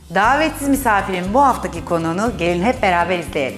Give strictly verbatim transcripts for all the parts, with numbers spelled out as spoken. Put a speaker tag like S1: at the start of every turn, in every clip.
S1: Davetsiz misafirin bu haftaki konuğunu gelin hep beraber izleyelim.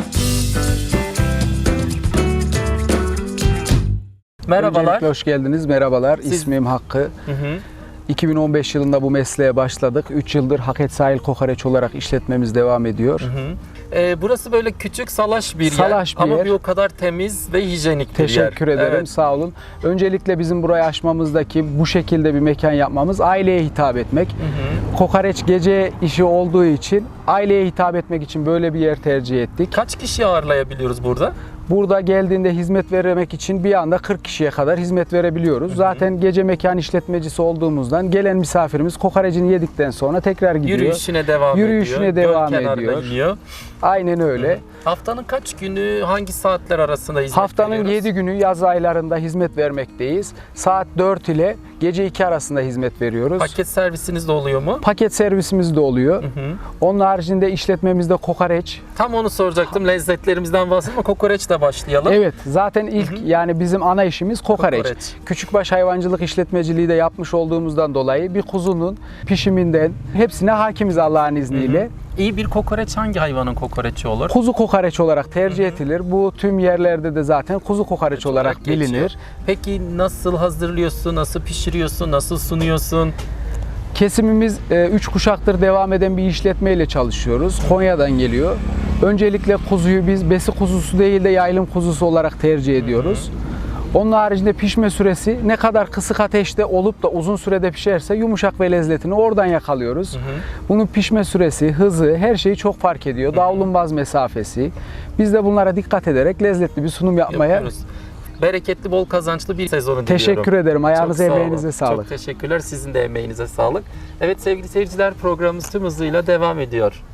S2: Merhabalar.
S3: Öncelikle hoş geldiniz. Merhabalar.
S2: Siz...
S3: İsmim Hakkı.
S2: Hı hı.
S3: iki bin on beş yılında bu mesleğe başladık. üç yıldır Haket Sahil Kokoreç olarak işletmemiz devam ediyor.
S2: Hı hı. Ee, burası böyle küçük salaş bir
S3: Salaş
S2: yer
S3: bir
S2: ama
S3: yer.
S2: bir o kadar temiz ve hijyenik bir yer.
S3: Teşekkür ederim.
S2: Evet.
S3: Sağ olun. Öncelikle bizim burayı açmamızdaki bu şekilde bir mekan yapmamız aileye hitap etmek.
S2: Hı hı.
S3: Kokoreç gece işi olduğu için aileye hitap etmek için böyle bir yer tercih ettik.
S2: Kaç kişi ağırlayabiliyoruz burada?
S3: Burada geldiğinde hizmet vermek için bir anda kırk kişiye kadar hizmet verebiliyoruz. Hı hı. Zaten gece mekan işletmecisi olduğumuzdan gelen misafirimiz kokorecini yedikten sonra tekrar gidiyor.
S2: Yürüyüşüne devam
S3: Yürüyüşüne
S2: ediyor.
S3: devam
S2: Göl kenarına
S3: ediyor.
S2: iniyor.
S3: Aynen öyle.
S2: Hı. Haftanın kaç günü, hangi saatler arasında hizmet
S3: Haftanın
S2: veriyoruz?
S3: yedi günü yaz aylarında hizmet vermekteyiz. Saat dört ile gece iki arasında hizmet veriyoruz.
S2: Paket servisiniz de oluyor mu?
S3: Paket servisimiz de oluyor.
S2: Hı hı.
S3: Onun haricinde işletmemizde kokoreç.
S2: Tam onu soracaktım. Lezzetlerimizden bahsedelim ama kokoreçle başlayalım.
S3: Evet, zaten ilk
S2: Hı hı.
S3: yani bizim ana işimiz kokoreç.
S2: Kokoreç.
S3: Küçükbaş hayvancılık işletmeciliği de yapmış olduğumuzdan dolayı bir kuzunun pişiminden hepsine hakimiz Allah'ın izniyle.
S2: Hı hı. İyi bir kokoreç hangi hayvanın kokoreçi olur?
S3: Kuzu kokoreç olarak tercih
S2: Hı hı.
S3: edilir. Bu tüm yerlerde de zaten kuzu kokoreç olarak
S2: geçiyor.
S3: bilinir.
S2: Peki nasıl hazırlıyorsun, nasıl pişiriyorsun, nasıl sunuyorsun?
S3: Kesimimiz üç kuşaktır devam eden bir işletmeyle çalışıyoruz. Konya'dan geliyor. Öncelikle kuzuyu biz besi kuzusu değil de yaylım kuzusu olarak tercih ediyoruz. Onun haricinde pişme süresi ne kadar kısık ateşte olup da uzun sürede pişerse yumuşak ve lezzetini oradan yakalıyoruz. Hı hı. Bunun pişme süresi, hızı, her şeyi çok fark ediyor. Davlumbaz mesafesi. Biz de bunlara dikkat ederek lezzetli bir sunum yapmaya
S2: yapıyoruz. Bereketli, bol kazançlı bir sezonu diliyorum.
S3: Teşekkür ederim. Ayağınıza,
S2: Çok sağ
S3: emeğinize
S2: olun.
S3: sağlık.
S2: Çok teşekkürler. Sizin de emeğinize sağlık. Evet sevgili seyirciler, programımız tüm hızıyla devam ediyor.